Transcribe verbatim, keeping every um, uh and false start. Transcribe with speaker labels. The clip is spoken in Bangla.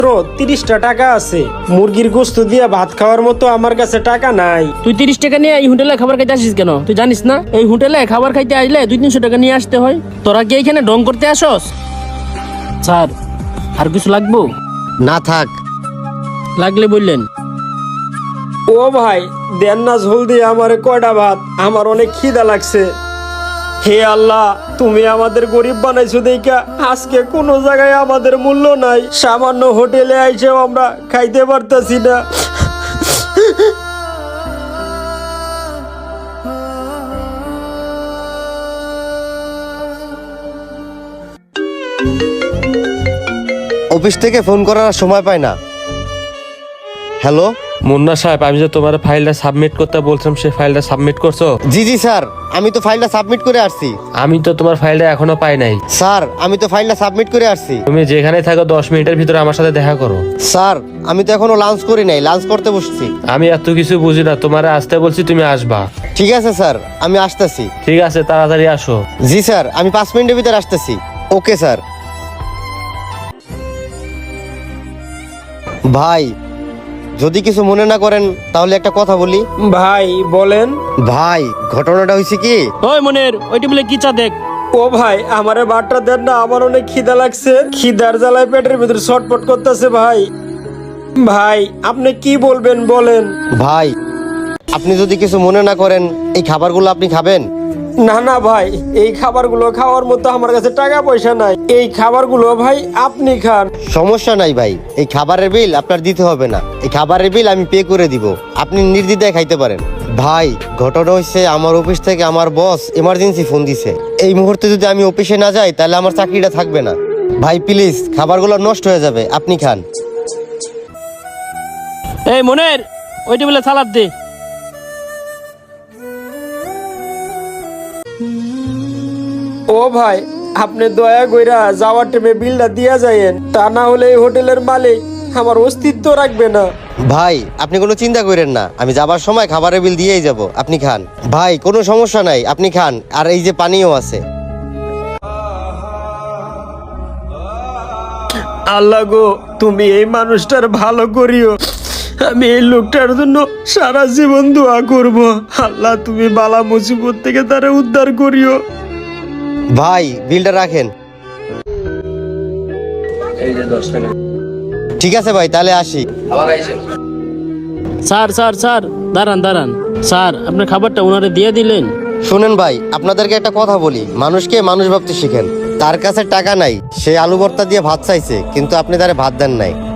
Speaker 1: মাত্র তিরিশটা টাকা আছে। মুরগির গোস্ত দিয়ে ভাত খাওয়ার মতো আমার কাছে টাকা নাই।
Speaker 2: তুই তিরিশ টাকা নিয়ে এই হোটেলে খাবার খাইতে আসিস কেন? তুই জানিস না এই হোটেলে খাবার খাইতে আসলে দুই তিনশো টাকা নিয়ে আসতে হয়? তোরা কি এখানে ঢং করতে আসস? স্যার, আর কিছু লাগবো?
Speaker 3: না থাক।
Speaker 2: লাগলে বললেন।
Speaker 1: ও ভাই, দেন না ঝোল দিয়ে আমারে কয়টা ভাত, আমার অনেক খিদা লাগছে। হে আল্লাহ, তুমি আমাদের গরিব বানাইছো দেখা আজকে কোনো জায়গায় আমাদের মূল্য নাই। সামান্য হোটেলে আইসেও আমরা খাইতে পারতাছি না।
Speaker 3: অফিস থেকে ফোন করার সময় পায় না। হ্যালো
Speaker 4: মুন্না সাহেব, আমি যে তোমার ফাইলটা সাবমিট করতে বলছিলাম সেই ফাইলটা সাবমিট করছো?
Speaker 3: জি জি স্যার, আমি তো ফাইলটা সাবমিট করে আসছি।
Speaker 4: আমি তো তোমার ফাইলটা এখনো পাই নাই।
Speaker 3: স্যার, আমি তো ফাইলটা সাবমিট করে আসছি।
Speaker 4: তুমি যেখানে থাকো দশ মিনিটের ভিতরে আমার সাথে দেখা করো।
Speaker 3: স্যার, আমি তো এখনো লাঞ্চ করি নাই, লাঞ্চ করতে বসছি।
Speaker 4: আমি এত কিছু বুঝি না, তোমার আসতে বলছি, তুমি আসবা।
Speaker 3: ঠিক আছে স্যার, আমি আসতেছি।
Speaker 4: ঠিক আছে, তাড়াতাড়ি আসো।
Speaker 3: জি স্যার, আমি পাঁচ মিনিটের ভিতরে আসতেছি। Okay sir. ভাই, যদি কিছু মনে না করেন তাহলে একটা কথা বলি।
Speaker 1: ভাই বলেন।
Speaker 3: ভাই, ঘটনাটা হয়েছে কি?
Speaker 2: ওই মনের, ওই টেবিলে কি চা দেখ।
Speaker 1: ও ভাই, আমারে ভাতটা দেন না, আমার অনেক খিদা লাগছে। খিদার জ্বালায় পেটের ভিতরে ছটপট করতেছে ভাই। ভাই, আপনি কি বলবেন বলেন।
Speaker 3: ভাই, আপনি যদি কিছু মনে না করেন এই খাবারগুলো আপনি খাবেন?
Speaker 1: না না ভাই, এই খাবারগুলো খাওয়ার মতো আমার কাছে টাকা পয়সা নাই। এই খাবারগুলো ভাই আপনি খান।
Speaker 3: সমস্যা নাই ভাই, এই খাবারের বিল আপনার দিতে হবে না। এই খাবারের বিল আমি পে করে দিব, আপনি নির্দ্বিধায় খাইতে পারেন। ভাই, ঘটনা হচ্ছে আমার অফিস থেকে আমার বস এমার্জেন্সি ফোন দিছে। এই মুহূর্তে যদি আমি অফিসে না যাই তাহলে আমার চাকরিটা থাকবে না। ভাই প্লিজ, খাবারগুলো নষ্ট হয়ে যাবে, আপনি খান।
Speaker 2: এই মনের, ওই টেবিলে সালাদ দে।
Speaker 1: ও ভাই, আপনি দয়া কইরা যাওয়ার টাইমে বিলটা দিয়া যায়েন, তা না হলে এই হোটেলের মালিক আমার অস্তিত্ব রাখবে না।
Speaker 3: ভাই, আপনি কোনো চিন্তা করেন না, আমি যাবার সময় খাবারের বিল দিয়েই যাব, আপনি খান। ভাই, কোনো সমস্যা নাই, আপনি খান। আর এই যে পানিও আছে।
Speaker 1: আল্লাহ গো, তুমি এই মানুষটার ভালো করিও। আমি এই লোকটার জন্য সারা জীবন দোয়া করব। আল্লাহ, তুমি বালা মুসিবত থেকে তারে উদ্ধার করিও।
Speaker 3: ভাই, বিলটা রাখেন।
Speaker 4: এই যে দশ টাকা।
Speaker 3: ঠিক আছে ভাই, তাহলে আসি।
Speaker 2: স্যার স্যার স্যার, দাঁড়ান দাঁড়ান। স্যার, আপনার খাবারটা ওনারে দিয়ে দিলেন?
Speaker 3: শুনেন ভাই, আপনাদেরকে একটা কথা বলি, মানুষকে মানুষ ভাবতে শিখেন। তার কাছে টাকা নাই, সে আলু ভর্তা দিয়ে ভাত চাইছে, কিন্তু আপনি তারে ভাত দেন নাই।